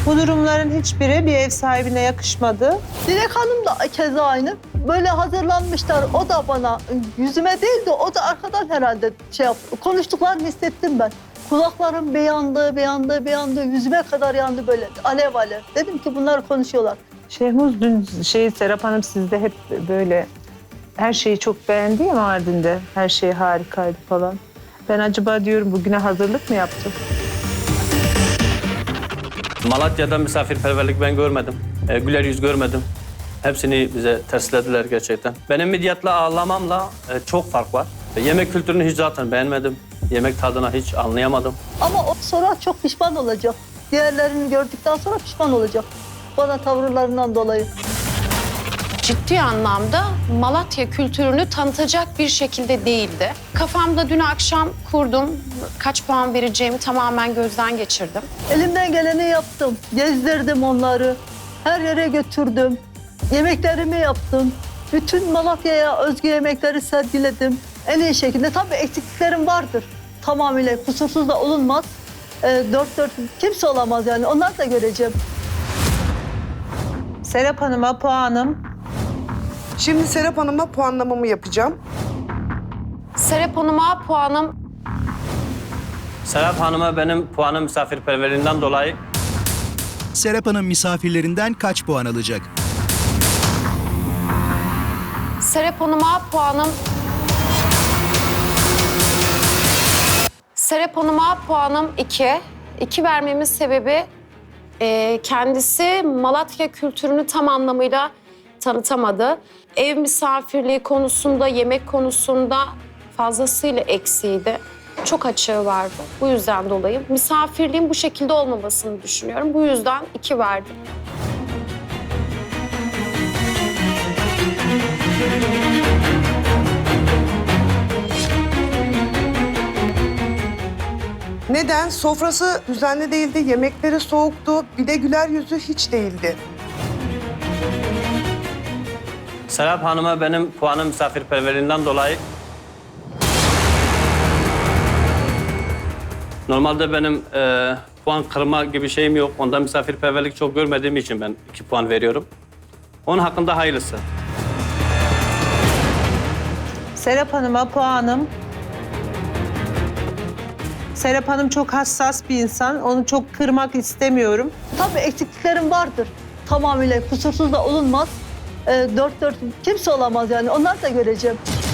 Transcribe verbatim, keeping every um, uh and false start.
Bu durumların hiçbiri bir ev sahibine yakışmadı. Dilek Hanım da keza aynı. Böyle hazırlanmışlar. O da bana yüzüme değil de o da arkadan herhalde şey yaptı. Konuştuklarını hissettim ben. Kulaklarım bir yandı, bir yandı, bir yandı. Yüzüme kadar yandı böyle alev alev. Dedim ki bunlar konuşuyorlar. Şehmuz dün şey Serap Hanım sizde hep böyle her şeyi çok beğendi ya Mardin'de. Her şey harikaydı falan. Ben acaba diyorum bugüne hazırlık mı yaptı? Malatya'da misafirperverlik ben görmedim. E, güler yüz görmedim. Hepsini bize terslediler gerçekten. Benim midyatla ağlamamla e, çok fark var. E, yemek kültürünü hiç zaten beğenmedim. Yemek tadına hiç anlayamadım. Ama o sonra çok pişman olacak. Diğerlerini gördükten sonra pişman olacak. Bana tavırlarından dolayı. Ciddi anlamda Malatya kültürünü tanıtacak bir şekilde değildi. Kafamda dün akşam kurdum. Kaç puan vereceğimi tamamen gözden geçirdim. Elimden geleni yaptım. Gezdirdim onları. Her yere götürdüm. Yemeklerimi yaptım. Bütün Malatya'ya özgü yemekleri sergiledim. En iyi şekilde. Tabii eksikliklerim vardır. Tamamıyla kusursuz da olunmaz. E, dört dört kimse olamaz yani. Onları da göreceğim. Serap Hanım'a puanım. Şimdi Serap Hanım'a puanlamamı yapacağım. Serap Hanım'a puanım Serap Hanım'a benim puanım misafirperverliğinden dolayı Serap Hanım misafirlerinden kaç puan alacak? Serap Hanım'a puanım Serap Hanım'a puanım iki. İki vermemin sebebi e, kendisi Malatya kültürünü tam anlamıyla tanıtamadı. Ev misafirliği konusunda, yemek konusunda fazlasıyla eksiğiydi. Çok açığı vardı. Bu yüzden dolayı misafirliğin bu şekilde olmamasını düşünüyorum. Bu yüzden iki verdim. Neden? Sofrası düzenli değildi, yemekleri soğuktu, bir de güler yüzü hiç değildi. Serap Hanım'a benim puanım misafirperverliğinden dolayı normalde benim e, puan kırma gibi şeyim yok. Ondan misafirperverlik çok görmediğim için ben iki puan veriyorum. Onun hakkında hayırlısı. Serap Hanım'a puanım. Serap Hanım çok hassas bir insan. Onu çok kırmak istemiyorum. Tabii eksikliklerim vardır. Tamamıyla kusursuz da olunmaz. E, dört dört kimse olamaz yani. Onları da göreceğim.